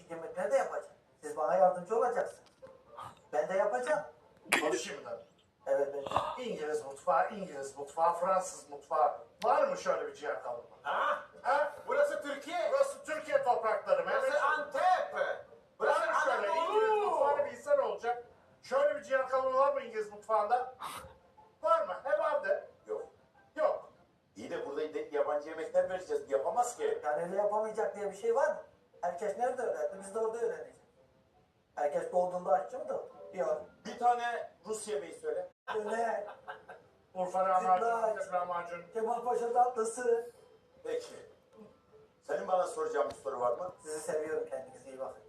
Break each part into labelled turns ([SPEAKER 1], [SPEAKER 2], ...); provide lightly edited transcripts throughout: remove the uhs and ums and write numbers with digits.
[SPEAKER 1] değişik yemekler de yapacağım. Siz bana yardımcı olacaksınız. Ben de yapacağım.
[SPEAKER 2] Konuşayım mı?
[SPEAKER 1] Evet ben.
[SPEAKER 2] İngiliz mutfağı, Fransız mutfağı. Var mı şöyle bir ciğer kavurma?
[SPEAKER 3] Ha?
[SPEAKER 2] Ha?
[SPEAKER 3] Burası Türkiye.
[SPEAKER 2] Burası Türkiye toprakları.
[SPEAKER 3] Burası
[SPEAKER 2] Mehmetciğim.
[SPEAKER 3] Antep. Burası
[SPEAKER 2] Var mı şöyle İngiliz mutfağını bilsen olacak. Şöyle bir ciğer kavurma var mı İngiliz mutfağında? Var mı? He var de.
[SPEAKER 4] Yok.
[SPEAKER 2] Yok.
[SPEAKER 4] İyi de burada yabancı yemekler vereceğiz. Yapamaz ki.
[SPEAKER 1] Yani öyle yapamayacak diye bir şey var mı? Herkes nerede öğrendi? Biz de orada öğreneceğiz. Herkes doğduğunda aşçı mı doğdu? Yok.
[SPEAKER 4] Bir tane Rus yemeği söyle.
[SPEAKER 1] Öyle.
[SPEAKER 2] Urfa lahmacun,
[SPEAKER 1] Zıplaç.
[SPEAKER 2] Antep lahmacun.
[SPEAKER 1] Kemalpaşa tatlısı.
[SPEAKER 4] Peki. Senin bana soracağın bir soru var mı?
[SPEAKER 1] Sizi seviyorum, kendinize iyi bakın.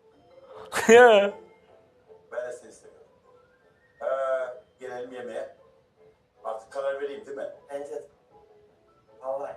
[SPEAKER 4] Ben de seni seviyorum. Gelelim yemeğe. Artık karar vereyim değil mi?
[SPEAKER 1] Bence de. Vallahi.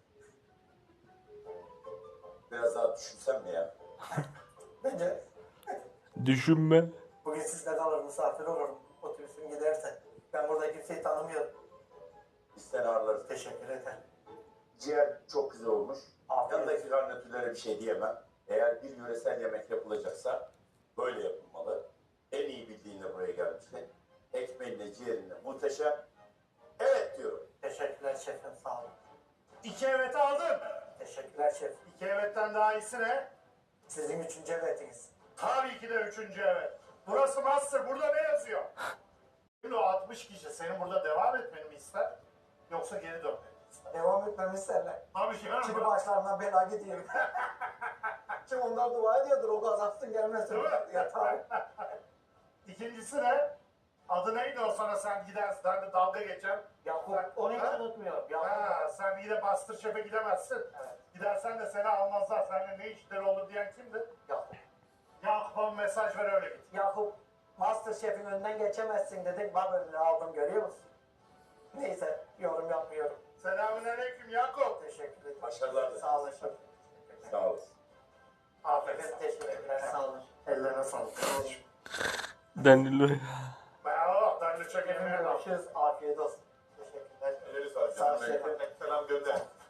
[SPEAKER 4] Biraz daha düşünsem mi ya?
[SPEAKER 1] Bence
[SPEAKER 5] Düşünme.
[SPEAKER 1] bugün sizde kalır, misafir olurum. Otobüsüm giderse. Ben burada kimseyi tanımıyorum.
[SPEAKER 4] Biz seni ağırlarız.
[SPEAKER 1] Teşekkür ederim.
[SPEAKER 4] Ciğer çok güzel olmuş.
[SPEAKER 1] Afiyet
[SPEAKER 4] Yanındaki garnitürlere bir şey diyemem. Eğer bir yöresel yemek yapılacaksa böyle yapılmalı. En iyi bildiğinle buraya gelmişsin. Ekmeğinle, ciğerinle muhteşem. Evet diyorum.
[SPEAKER 1] Teşekkürler şefim, sağ olun.
[SPEAKER 2] 2 evet aldın.
[SPEAKER 1] Teşekkürler şef.
[SPEAKER 2] 2 evetten daha iyisi ne?
[SPEAKER 1] Sizin 3. evetiniz.
[SPEAKER 2] Tabii ki de 3. evet. Burası Master. Burada ne yazıyor? Şimdi o 60 kişi senin burada devam etmeni mi ister? Yoksa geri dönmeni mi ister?
[SPEAKER 1] Devam etmemi isterler.
[SPEAKER 2] Tabii ki.
[SPEAKER 1] Çünkü başlarına bela gidiyor. Çünkü onlar dua ediyordur, o kazaksın gelmesin.
[SPEAKER 2] Değil mi?
[SPEAKER 1] Yatar.
[SPEAKER 2] İkincisi ne? Adı neydi o sana sen gidersin. Ben de dalga geçer.
[SPEAKER 1] Yakup, onu hiç
[SPEAKER 2] Ha?
[SPEAKER 1] unutmuyorum.
[SPEAKER 2] Ha,
[SPEAKER 1] Yakup.
[SPEAKER 2] sen yine Master Chef'e gidemezsin.
[SPEAKER 1] Evet.
[SPEAKER 2] Gidersen de seni almazlar. Seninle ne işleri olur diyen kimdi?
[SPEAKER 1] Yakup.
[SPEAKER 2] Yakup'a mesaj ver öyle git.
[SPEAKER 1] Yakup, Masterchef'in önünden geçemezsin dedik. Bak önüne aldım, görüyor musun? Neyse, yorum yapmıyorum.
[SPEAKER 2] Selamünaleyküm Yakup.
[SPEAKER 1] Teşekkür ederim.
[SPEAKER 4] Başarılar.
[SPEAKER 1] Sağ olun şef.
[SPEAKER 4] Sağ olasın.
[SPEAKER 2] Aferin.
[SPEAKER 1] Efendim teşekkürler, sağ olun.
[SPEAKER 2] Ellerine sağlık.
[SPEAKER 5] Danilo.
[SPEAKER 2] Bravo. Danilo çok
[SPEAKER 1] Efendim
[SPEAKER 2] emeğe bak.
[SPEAKER 1] görüşürüz, afiyet olsun. Teşekkürler.
[SPEAKER 4] Elleri sağ
[SPEAKER 1] Sağ ol şefim.
[SPEAKER 4] Selam gönder.